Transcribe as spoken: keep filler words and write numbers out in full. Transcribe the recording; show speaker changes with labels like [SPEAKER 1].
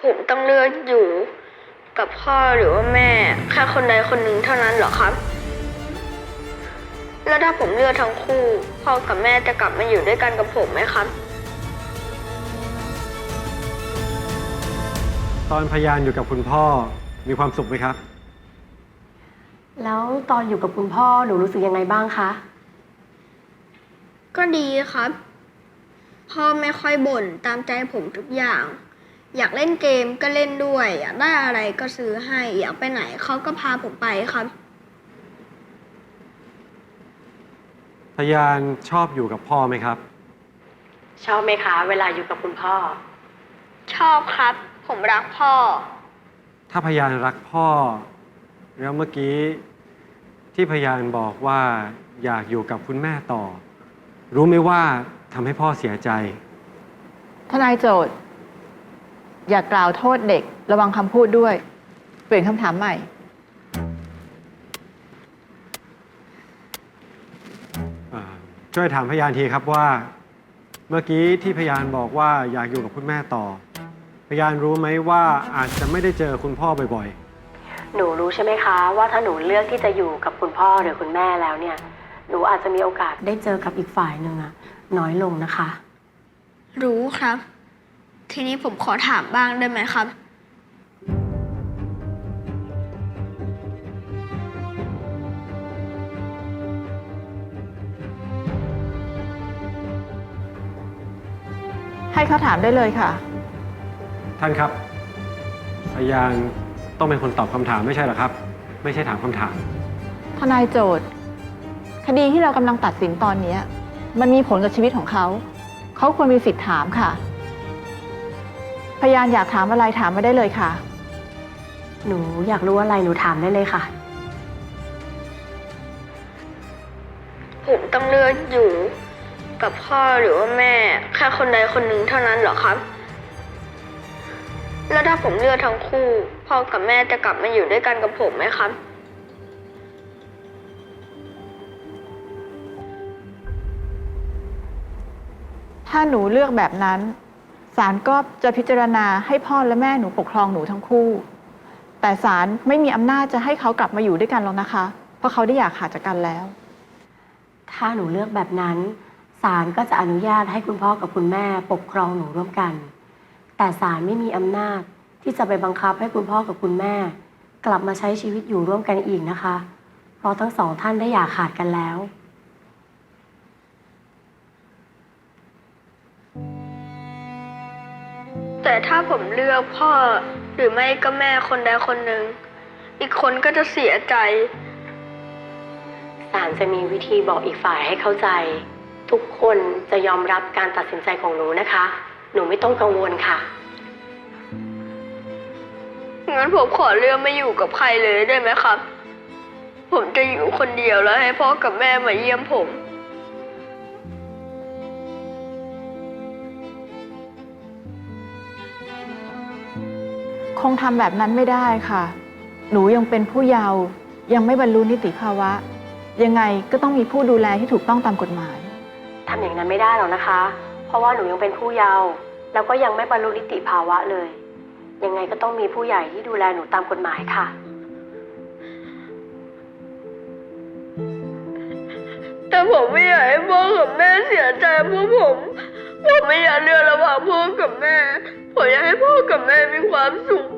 [SPEAKER 1] ผมต้องเลือกอยู่กับพ่อหรือว่าแม่แค่คนใดคนหนึ่งเท่านั้นเหรอครับแล้วถ้าผมเลือกทั้งคู่พ่อกับแม่จะกลับมาอยู่ด้วยกันกับผมไหมครับ
[SPEAKER 2] ตอนพยานอยู่กับคุณพ่อมีความสุขไหมครับ
[SPEAKER 3] แล้วตอนอยู่กับคุณพ่อหนูรู้สึกยังไงบ้างคะ
[SPEAKER 1] ก็ดีครับพ่อไม่ค่อยบ่นตามใจผมทุกอย่างอยากเล่นเกมก็เล่นด้วยอยากได้อะไรก็ซื้อให้อยากไปไหนเขาก็พาผมไปครับ
[SPEAKER 2] พยานชอบอยู่กับพ่อไหมครับ
[SPEAKER 3] ชอบไหมคะเวลาอยู่กับคุณพ่อ
[SPEAKER 1] ชอบครับผมรักพ่อ
[SPEAKER 2] ถ้าพยานรักพ่อแล้วเมื่อกี้ที่พยานบอกว่าอยากอยู่กับคุณแม่ต่อรู้ไหมว่าทำให้พ่อเสียใจ
[SPEAKER 4] ทนายโจทย์อย่ากล่าวโทษเด็กระวังคำพูดด้วยเปลี่ยนคำถามใหม่
[SPEAKER 2] ช่วยถามพยานทีครับว่าเมื่อกี้ที่พยานบอกว่าอยากอยู่กับคุณแม่ต่อพยานรู้ไหมว่าอาจจะไม่ได้เจอคุณพ่อบ่อย
[SPEAKER 3] ๆหนูรู้ใช่ไหมคะว่าถ้าหนูเลือกที่จะอยู่กับคุณพ่อหรือคุณแม่แล้วเนี่ยหนูอาจจะมีโอกาสได้เจอกับอีกฝ่ายหนึ่งอะน้อยลงนะคะ
[SPEAKER 1] รู้ครับทีนี้ผมขอถามบ้างได้ไหมครับ
[SPEAKER 4] ให้เขาถามได้เลยค่ะ
[SPEAKER 2] ท่านครับพยานต้องเป็นคนตอบคำถามไม่ใช่หรอครับไม่ใช่ถามคำถาม
[SPEAKER 4] ทนายโจทย์คดีที่เรากำลังตัดสินตอนนี้มันมีผลกับชีวิตของเขาเขาควรมีสิทธิ์ถามค่ะพยานอยากถามอะไรถามมาได้เลยค่ะ
[SPEAKER 3] หนูอยากรู้อะไรหนูถามได้เลยค่ะ
[SPEAKER 1] ผมต้องเลือกอยู่กับพ่อหรือว่าแม่แค่คนใดคนหนึ่งเท่านั้นเหรอครับแล้วถ้าผมเลือกทั้งคู่พ่อกับแม่จะกลับมาอยู่ด้วยกันกับผมไหมครับ
[SPEAKER 4] ถ้าหนูเลือกแบบนั้นศาลก็จะพิจารณาให้พ่อและแม่หนูปกครองหนูทั้งคู่แต่ศาลไม่มีอำนาจจะให้เขากลับมาอยู่ด้วยกันหรอกนะคะเพราะเขาได้อยากขาดจากกันแล้ว
[SPEAKER 3] ถ้าหนูเลือกแบบนั้นศาลก็จะอนุญาตให้คุณพ่อกับคุณแม่ปกครองหนูร่วมกันแต่ศาลไม่มีอำนาจที่จะไปบังคับให้คุณพ่อกับคุณแม่กลับมาใช้ชีวิตอยู่ร่วมกันอีกนะคะเพราะทั้งสองท่านได้อยากขาดกันแล้ว
[SPEAKER 1] แต่ถ้าผมเลือกพ่อหรือไม่ก็แม่คนใดคนหนึ่งอีกคนก็จะเสียใจ
[SPEAKER 3] ศาลจะมีวิธีบอกอีกฝ่ายให้เข้าใจทุกคนจะยอมรับการตัดสินใจของหนูนะคะหนูไม่ต้องกังวลค่ะ
[SPEAKER 1] งั้นผมขอเลือกไม่อยู่กับใครเลยได้ไหมครับผมจะอยู่คนเดียวแล้วให้พ่อกับแม่มาเยี่ยมผม
[SPEAKER 4] คงทำแบบนั้นไม่ได้ค่ะหนูยังเป็นผู้เยาว์ยังไม่บรรลุนิติภาวะยังไงก็ต้องมีผู้ดูแลที่ถูกต้องตามกฎหมาย
[SPEAKER 3] ทำอย่างนั้นไม่ได้หรอกนะคะเพราะว่าหนูยังเป็นผู้เยาว์แล้วก็ยังไม่บรรลุนิติภาวะเลยยังไงก็ต้องมีผู้ใหญ่ที่ดูแลหนูตามกฎหมายค่ะ
[SPEAKER 1] แต่ผมไม่อยากให้พ่อกับแม่เสียใจเพราะผมผมไม่อยากเลือกระหว่างพ่อกับแม่ผมอยากให้พ่อกับแม่มีความสุข